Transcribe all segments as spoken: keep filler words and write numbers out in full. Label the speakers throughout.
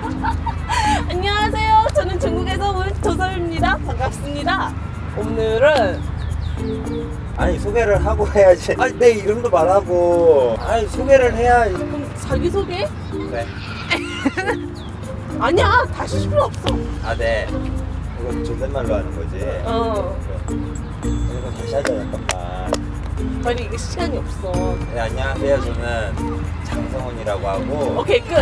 Speaker 1: 안녕하세요. 저는 중국에서 온 조섭입니다. 반갑습니다. 오늘은
Speaker 2: 아니 소개를 하고 해야지. 아니 내 이름도 말하고. 아니 소개를 해야.
Speaker 1: 그럼 자기소개?
Speaker 2: 네.
Speaker 1: 아니야. 다시 할 필요 없어.
Speaker 2: 아 네. 이거 존댓말로 하는 거지.
Speaker 1: 어.
Speaker 2: 이거 다시 하자 잠깐만.
Speaker 1: 빨리 이게 시간이 없어.
Speaker 2: 네 안녕하세요. 저는 장성훈이라고 하고.
Speaker 1: 오케이 끝.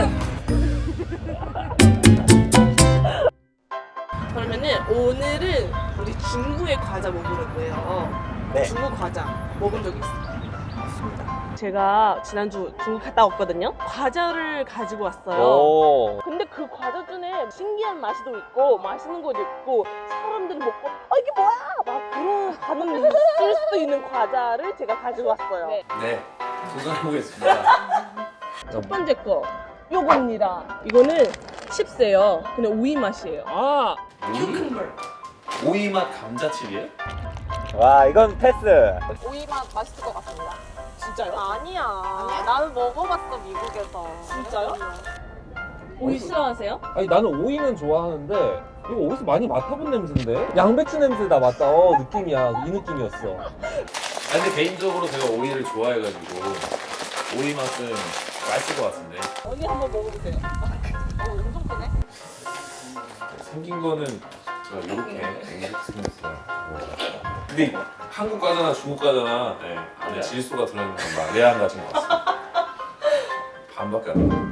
Speaker 1: 그러면은 오늘은 우리 중국의 과자 먹으러 거예요.
Speaker 2: 네.
Speaker 1: 중국 과자 먹은 적 있어요? 맞습니다. 제가 지난주 중국 갔다 왔거든요. 과자를 가지고 왔어요.
Speaker 3: 오.
Speaker 1: 근데 그 과자 중에 신기한 맛도 있고 맛있는 것도 있고 사람들이 먹고 아 이게 뭐야? 막 그런 반응이 있을 수도 있는 과자를 제가 가지고 왔어요. 네.
Speaker 3: 네, 도전해보겠습니다.
Speaker 1: 첫 번째 거 요겁니다. 이거는 칩스예요. 근데 오이 맛이에요.
Speaker 3: 아,
Speaker 1: 큐크버.
Speaker 3: 오이 맛 감자칩이에요?
Speaker 2: 와 이건 패스.
Speaker 4: 오이 맛 맛있을 것 같습니다.
Speaker 1: 진짜요?
Speaker 4: 아니야. 나는 먹어봤어 미국에서.
Speaker 1: 진짜요? 오이 싫어하세요?
Speaker 5: 아니 나는 오이는 좋아하는데 이거 어디서 많이 맡아본 냄새인데? 양배추 냄새다 맞다. 어 느낌이야. 이 느낌이었어.
Speaker 3: 아니, 근데 개인적으로 제가 오이를 좋아해가지고 오이 맛은 맛있을 것 같은데.
Speaker 1: 언니 한번 먹어보세요.
Speaker 4: 어, 엄청 크네.
Speaker 3: 생긴 거는 제가 이렇게 이렇게 생겼어요. 근데 한국 과자나 중국 과자나 네, 안에 질소가 들어있는 건 레알 가진 것 같습니다. 반밖에 안 나요.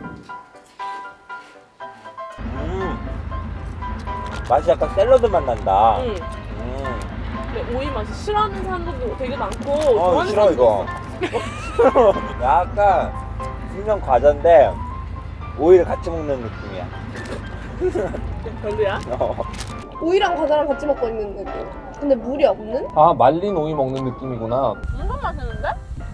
Speaker 2: 음. 맛이 약간 샐러드 맛 난다.
Speaker 1: 응.
Speaker 2: 음.
Speaker 1: 근데 오이 맛이 싫어하는 사람들도 되게 많고
Speaker 2: 어
Speaker 1: 좋아하는
Speaker 2: 싫어 이거.
Speaker 1: 사람도
Speaker 2: 약간 분명 과자인데 오이를 같이 먹는 느낌이야.
Speaker 1: 있어. 별로야?
Speaker 2: 어.
Speaker 6: 오이랑 과자랑 같이 먹고 있는 느낌. 근데 물이 없는?
Speaker 5: 아 말린 오이 먹는 느낌이구나.
Speaker 4: 엄청 맛있는데?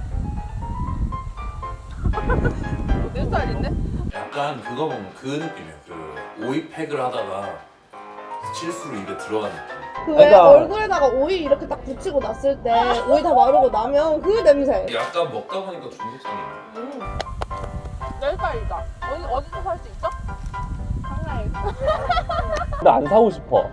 Speaker 4: 내 스타일인데?
Speaker 3: 약간 그거 보면 그 느낌이에요. 그 오이 팩을 하다가 실수로 입에 들어간 느낌.
Speaker 6: 그 왜
Speaker 2: 그러니까-
Speaker 6: 얼굴에다가 오이 이렇게 딱 붙이고 났을 때 오이 다 마르고 나면 그 냄새.
Speaker 3: 약간 먹다 보니까 중독성이 있네.
Speaker 4: 음. 내 스타일이다. 어디 어디서 살 수 있어? 상가에서.
Speaker 5: 근데 안 사고 싶어.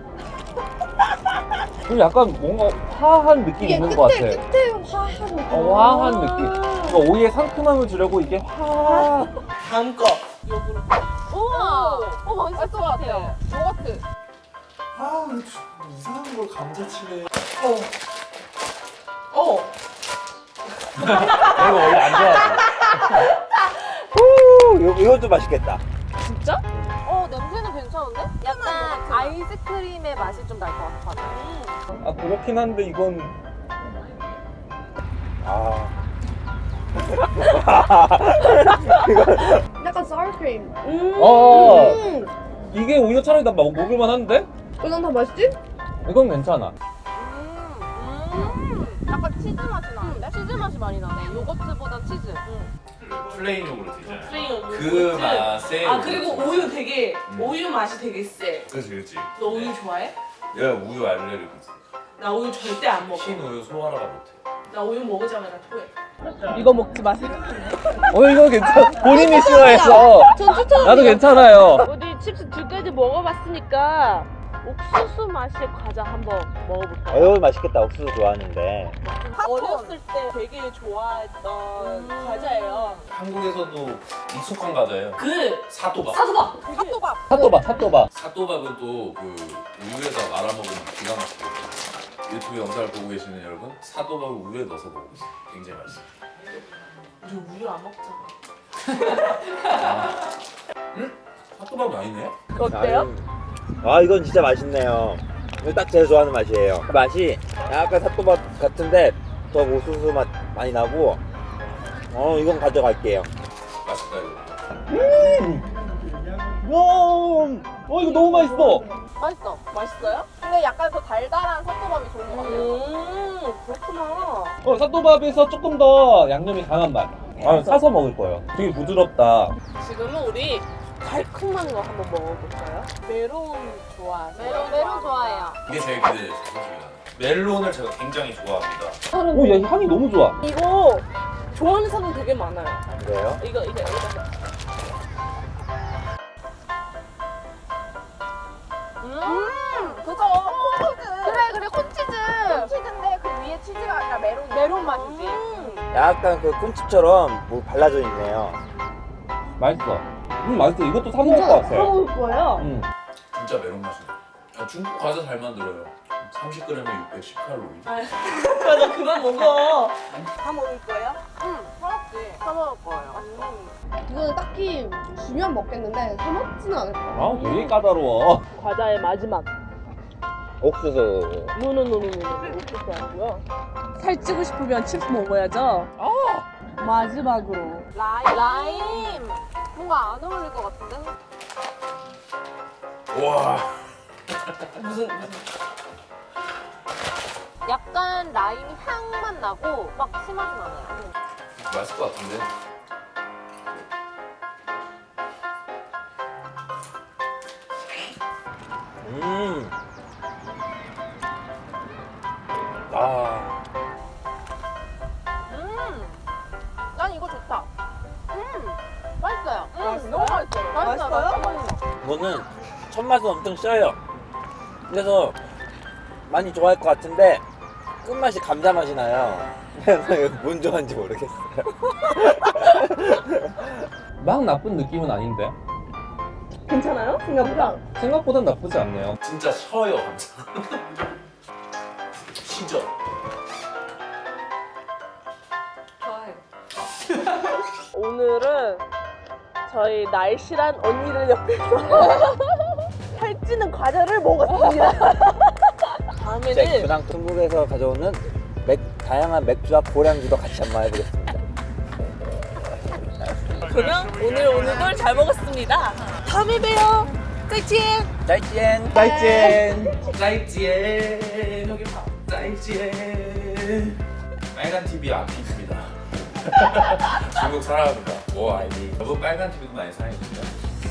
Speaker 5: 그리고 약간 뭔가 화한 느낌이
Speaker 6: 이게
Speaker 5: 있는 것
Speaker 6: 끝에
Speaker 5: 같아.
Speaker 6: 끝에 화한 느낌.
Speaker 5: 어, 화한 느낌. 그러니까 오이의 상큼함을 주려고 이게 화.
Speaker 1: 다음 거 요구르트.
Speaker 4: 우와. 어 맛있을 것 같아요. 요거트.
Speaker 3: 아, 이상한 걸 감자칩에.
Speaker 1: 어. 어.
Speaker 5: 이거 원래 안 좋아하지.
Speaker 2: 후, 요, 이것도 맛있겠다.
Speaker 1: 진짜?
Speaker 4: 어 냄새는 괜찮은데? 약간 그 아이스크림의 맛이 좀 날 것 같아.
Speaker 5: 아 그렇긴 한데 이건
Speaker 2: 아.
Speaker 6: 약간 사워크림.
Speaker 1: 음.
Speaker 5: 어
Speaker 6: 음.
Speaker 5: 이게 오히려 차라리 나 먹- 먹을만 한데?
Speaker 6: 이건 다 맛있지?
Speaker 5: 이건 괜찮아.
Speaker 4: 음. 음. 약간 치즈 맛이 나는데? 치즈 맛이 많이 나네. 요거트보다 치즈.
Speaker 3: 플레인 요구르트 있잖아요.
Speaker 1: 플레인
Speaker 3: 그
Speaker 1: 요구르트.
Speaker 3: 맛에.
Speaker 1: 아 그리고 우유 되게
Speaker 3: 음.
Speaker 1: 우유 맛이 되게 세.
Speaker 3: 그렇지, 그렇지.
Speaker 1: 너 우유 좋아해?
Speaker 3: 내가 우유 알레르기 있어.
Speaker 1: 나 우유 절대 안 먹어.
Speaker 3: 흰 우유 소화를 못해.
Speaker 1: 나 우유 먹으자마자 토해. 이거 먹지 마세요.
Speaker 5: 어 이거 괜찮아. 본인이 싫어해서.
Speaker 6: 전 추천.
Speaker 5: 나도 괜찮아요.
Speaker 1: 우리 칩스 두 가지 먹어봤으니까 옥수수 맛의 과자 한번 먹어볼까요?
Speaker 2: 어, 이거 맛있겠다. 옥수수 좋아하는데.
Speaker 1: 어렸을 때 되게 좋아했던 과자예요.
Speaker 3: 한국에서도 익숙한 과자예요.
Speaker 1: 그
Speaker 3: 사또밥.
Speaker 1: 사소밥.
Speaker 4: 핫도밥.
Speaker 5: 핫도바 핫도바.
Speaker 3: 사또밥은 또 그 우유에다 말아 먹으면 기가 막히거든요. 유튜브 영상을 보고 계시는 여러분, 사또밥을 우유에 넣어서 먹으세요. 굉장히 맛있어요.
Speaker 1: 우리 우유 안 먹잖아.
Speaker 3: 응? 사또밥이 아니네?
Speaker 1: 어때요?
Speaker 2: 아 이건 진짜 맛있네요. 이거 딱 제가 좋아하는 맛이에요. 맛이 약간 삿도밥 같은데 더 옥수수 맛 많이 나고. 어 이건 가져갈게요.
Speaker 3: 맛있다 이거.
Speaker 5: 와, 어 이거 너무 맛있어.
Speaker 4: 맛있어.
Speaker 1: 맛있어요?
Speaker 4: 근데 약간 그 달달한 섭도밥이 좋은 것 같아요.
Speaker 1: 음 그렇구나.
Speaker 5: 어 삿도밥에서 조금 더 양념이 강한 맛. 아 사서 먹을 거예요. 되게 부드럽다.
Speaker 1: 지금은 우리 달콤한 거 한번 먹어볼까요? 메론 좋아하세요?
Speaker 4: 메론 메론 좋아해요.
Speaker 3: 이게 제일 기대돼요, 솔직히. 멜론을 제가 굉장히 좋아합니다.
Speaker 5: 오, 야 향이 너무 좋아.
Speaker 1: 이거 좋아하는 사람 되게 많아요.
Speaker 2: 그래요?
Speaker 1: 이거 이거 이거.
Speaker 2: 약간 그 콘칩처럼 뭐 발라져 있네요.
Speaker 5: 맛있어. 음 맛있어. 이것도 사 먹을 것 같아.
Speaker 1: 먹을 거예요.
Speaker 5: 음.
Speaker 3: 진짜 메론 맛이네. 아, 중국 과자 잘 만들어요. 삼십 그램에 육백십 칼로리.
Speaker 1: 맞아, 그만 먹어. 다 먹을 거예요?
Speaker 4: 응, 사먹지. 사먹을 거예요.
Speaker 6: 이거는 딱히 주면 먹겠는데 사 먹지는 않을 거야.
Speaker 5: 아 되게 까다로워.
Speaker 1: 과자의 마지막.
Speaker 2: 옥수수.
Speaker 1: 노노노노노. 옥수수 아니고요. 살찌고 싶으면 칩스 먹어야죠.
Speaker 5: 아
Speaker 1: 마지막으로.
Speaker 4: 라임. 라임. 뭔가 안 어울릴 것 같은데?
Speaker 3: 와.
Speaker 1: 무슨 무슨.
Speaker 4: 약간 라임 향만 나고 막 심하진 않아요.
Speaker 3: 맛있을 것 같은데.
Speaker 2: 음. 아.
Speaker 4: 음, 난 이거 좋다. 음, 맛있어요. 음,
Speaker 1: 맛있어요?
Speaker 4: 너무 맛있어요. 맛있어요?
Speaker 1: 맛있어요?
Speaker 4: 맛있어요.
Speaker 2: 이거는 첫 맛은 엄청 써요. 그래서 많이 좋아할 것 같은데 끝맛이 감자 맛이 나요. 그래서 이거 뭔 좋아하는지 모르겠어요.
Speaker 5: 막 나쁜 느낌은 아닌데.
Speaker 1: 괜찮아요? 생각보다.
Speaker 5: 생각보단 나쁘지 않네요.
Speaker 3: 진짜 셔요 감자. 시죠.
Speaker 1: 오늘은 저희 날씬한 언니들 옆에서 살찌는 과자를 먹었습니다.
Speaker 2: 제
Speaker 1: 다음에는
Speaker 2: 근황 중국에서 가져오는 맥, 다양한 맥주와 고량주도 같이 한번 해보겠습니다.
Speaker 1: 그러면 오늘 오늘도 잘 먹었습니다. 다음에 봬요. 짜이찌엔.
Speaker 2: 짜이찌엔.
Speaker 5: 짜이찐.
Speaker 3: 짜이찌엔 여기 봐. 짜이찌엔. 빨간 티비 아피입니다. 중국 사랑합니다. 오 아이디. 여러분 빨간 티비도 많이 사랑해주세요.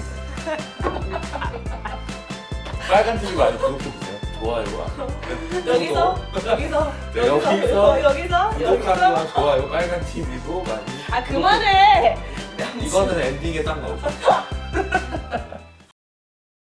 Speaker 3: 빨간 티비 많이 구독해주세요. 좋아요와
Speaker 1: 여기서
Speaker 3: 구독.
Speaker 1: 여기서
Speaker 3: 네, 여기서
Speaker 1: 여기서
Speaker 3: 구독하기와 좋아요 빨간 티비도 많이.
Speaker 1: 아 그만해.
Speaker 3: 이거는 엔딩에 딱 넣어줘.